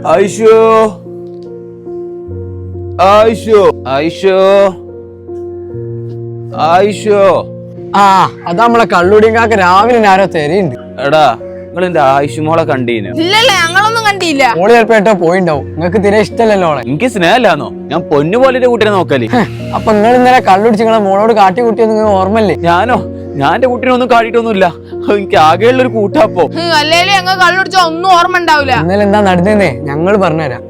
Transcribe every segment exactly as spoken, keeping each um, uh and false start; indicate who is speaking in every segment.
Speaker 1: ആയിഷോ ആയിഷോ ആയിഷോ ആയിഷോ.
Speaker 2: ആ അത് നമ്മളെ കള്ളുടിങ്കാക്ക് രാവിലെ ആരോ തെരയുണ്ട്.
Speaker 1: എടാ നിങ്ങൾ എന്റെ ആയിഷുമോളെ കണ്ടീനു?
Speaker 3: ഇല്ലല്ലേ, ഞങ്ങളൊന്നും കണ്ടില്ല.
Speaker 2: ഓള് ചിലപ്പോ ഏട്ടോ പോയിണ്ടാവും. നിങ്ങൾക്ക് തീരെ ഇഷ്ടമല്ലല്ലോ ഓളെ.
Speaker 1: എനിക്ക് സ്നേഹമില്ലാന്നോ? ഞാൻ പൊന്നു പോലെ കുട്ടിനെ നോക്കല്.
Speaker 2: അപ്പൊ നിങ്ങൾ ഇന്നലെ കള്ളുടിച്ച് നിങ്ങളെ മോളോട് കാട്ടി കുട്ടിയൊന്നും നിങ്ങൾക്ക് ഓർമ്മല്ലേ?
Speaker 1: ഞാനോ? ഞാൻ എന്റെ കുട്ടീനെ ഒന്നും കാട്ടിട്ടൊന്നുമില്ല. എനിക്ക് ആകെയുള്ള ഒരു കൂട്ടാപ്പോ.
Speaker 3: അല്ലേലും ഞങ്ങൾ കള്ളുടിച്ച ഒന്നും ഓർമ്മ ഉണ്ടാവില്ല.
Speaker 2: ഇന്നലെ എന്താ നടന്നേ ഞങ്ങൾ പറഞ്ഞുതരാം.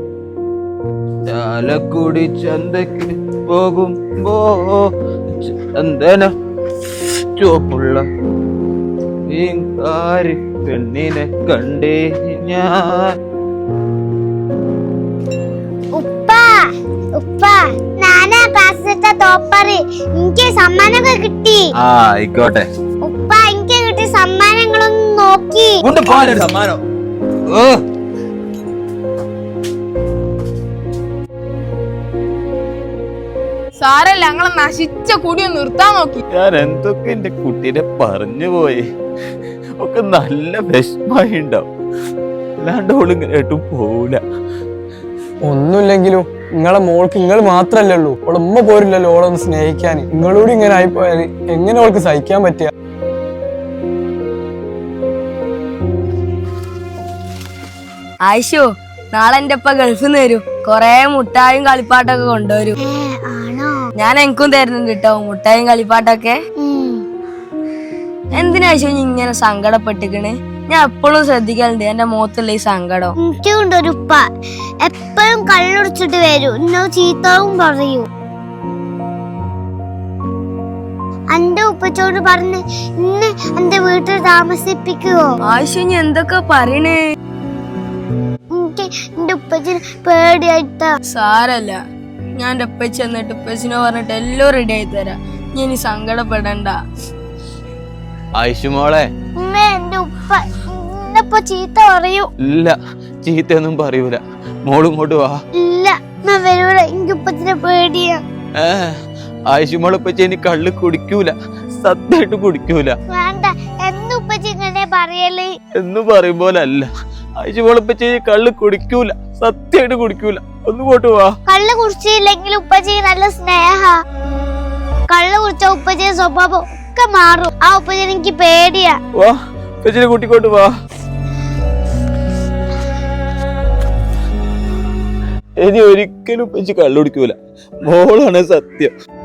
Speaker 1: ചാലക്കുടി ചന്തക്ക് പോകുമ്പോ ചന്ദന ചുവപ്പുള്ള പെണ്ണിനെ കണ്ടേ ഞാൻ.
Speaker 4: ഉപ്പ ഉപ്പ നാനാ ക്ലാസ്സിലത്തെ ടോപ്പറ്. എനിക്ക് സമ്മാനമൊക്കെ കിട്ടി.
Speaker 1: ആ ആയിക്കോട്ടെ.
Speaker 4: ഉപ്പ എനിക്ക് കിട്ടിയ സമ്മാനങ്ങളൊന്നും നോക്കി.
Speaker 1: സമ്മാനം
Speaker 3: സാരല്ല, ഞങ്ങളെ നശിച്ച കുടിയൊന്ന് നിർത്താൻ നോക്കി.
Speaker 1: ഞാൻ എന്തൊക്കെ എന്റെ കുട്ടീനെ പറഞ്ഞു പോയി. ഒക്കെ നല്ല വിഷമായി ഉണ്ടാവും. അല്ലാണ്ട് ഓളിങ്ങനെ ഏട്ടും പോവില്ല.
Speaker 2: ഒന്നുമില്ലെങ്കിലും നിങ്ങളെ മോൾക്ക് നിങ്ങൾ മാത്രല്ലേ ഉള്ളൂ. ഓളെ ഉമ്മ പോരില്ലല്ലോ ഓളൊന്ന് സ്നേഹിക്കാൻ. നിങ്ങളോട് ഇങ്ങനെ ആയിപ്പോയാൽ എങ്ങനെ ഓൾക്ക് സഹിക്കാൻ പറ്റുക?
Speaker 5: ആയിഷോ, നാളെ എന്റെ ഒപ്പ ഗൾഫിൽ നിന്ന് വരും. കൊറേ മുട്ടായും കളിപ്പാട്ടൊക്കെ കൊണ്ടുവരും. ഞാൻ എനിക്കും തരുന്നുണ്ട് കേട്ടോ മുട്ടായും കളിപ്പാട്ടൊക്കെ. എന്തിനായിശോ ഇങ്ങനെ സങ്കടപ്പെട്ടിക്കണ്? ഞാൻ എപ്പോഴും ശ്രദ്ധിക്കലുണ്ട് എന്റെ മുഖത്തുള്ള ഈ സങ്കടം.
Speaker 4: എനിക്കുണ്ടൊരു ഉപ്പ എപ്പോഴും കള്ളുടിച്ചിട്ട് വരൂ. എന്നോട് ചീത്തവും പറയൂ. എന്റെ ഉപ്പച്ചോട് പറഞ്ഞ് ഇന്ന് എന്റെ വീട്ടിൽ താമസിപ്പിക്കുവോ?
Speaker 5: ആയിഷോ നീ എന്തൊക്കെ പറയണേ?
Speaker 4: എനിക്ക് എന്റെ ഉപ്പച്ചിന് പേടിയായിട്ടാ.
Speaker 5: സാരല്ല, ഞാൻ എന്റെ ഉപ്പച്ചി എന്നിട്ട് ഉപ്പച്ചിനെ പറഞ്ഞിട്ട് എല്ലാം റെഡി ആയി തരാം. നീ ഇനി സങ്കടപ്പെടണ്ട.
Speaker 1: ആയിഷുമോളെ,
Speaker 4: എന്റെ ഉപ്പ ഇന്നിപ്പോ ചീത്ത പറയൂ.
Speaker 1: ഇല്ല, ചീത്തയൊന്നും പറയൂല. മോളും ഇങ്ങോട്ട് വാ.
Speaker 4: ഇല്ല ഞാൻ വരൂല. എനിക്ക് ഉപ്പച്ചിനെ പേടിയാ.
Speaker 1: ഏ ആയിഷുമോളെ ഉപ്പച്ചി ഇനി കള്ള് കുടിക്കൂല. സത്യമായിട്ട് കുടിക്കൂല.
Speaker 4: വേണ്ട, എന്ന് ഉപ്പച്ചി ഇങ്ങനെ പറയല്?
Speaker 1: എന്ന് പറയുമ്പോലല്ല. ആയിഷുമോളെ ഉപ്പച്ചി കള്ള് കുടിക്കൂല. സത്യമായിട്ട് കുടിക്കൂല. ഒന്ന് ഇങ്ങോട്ട് വാ.
Speaker 4: കള്ള് കുടിച്ചില്ലെങ്കിൽ ഉപ്പച്ചി നല്ല സ്നേഹ. കള്ള് കുടിച്ച ഉപ്പച്ചിയുടെ സ്വഭാവം ഒക്കെ മാറും. ആ ഉപ്പച്ചി എനിക്ക് പേടിയാ.
Speaker 1: വാ, ഉപ്പച്ചിനെ കൂട്ടിക്കോട്ട് വാ. ഇനി ഒരിക്കലും ഉപ്പച്ചി കള്ളു കുടിക്കൂല. മോളാണ് സത്യം.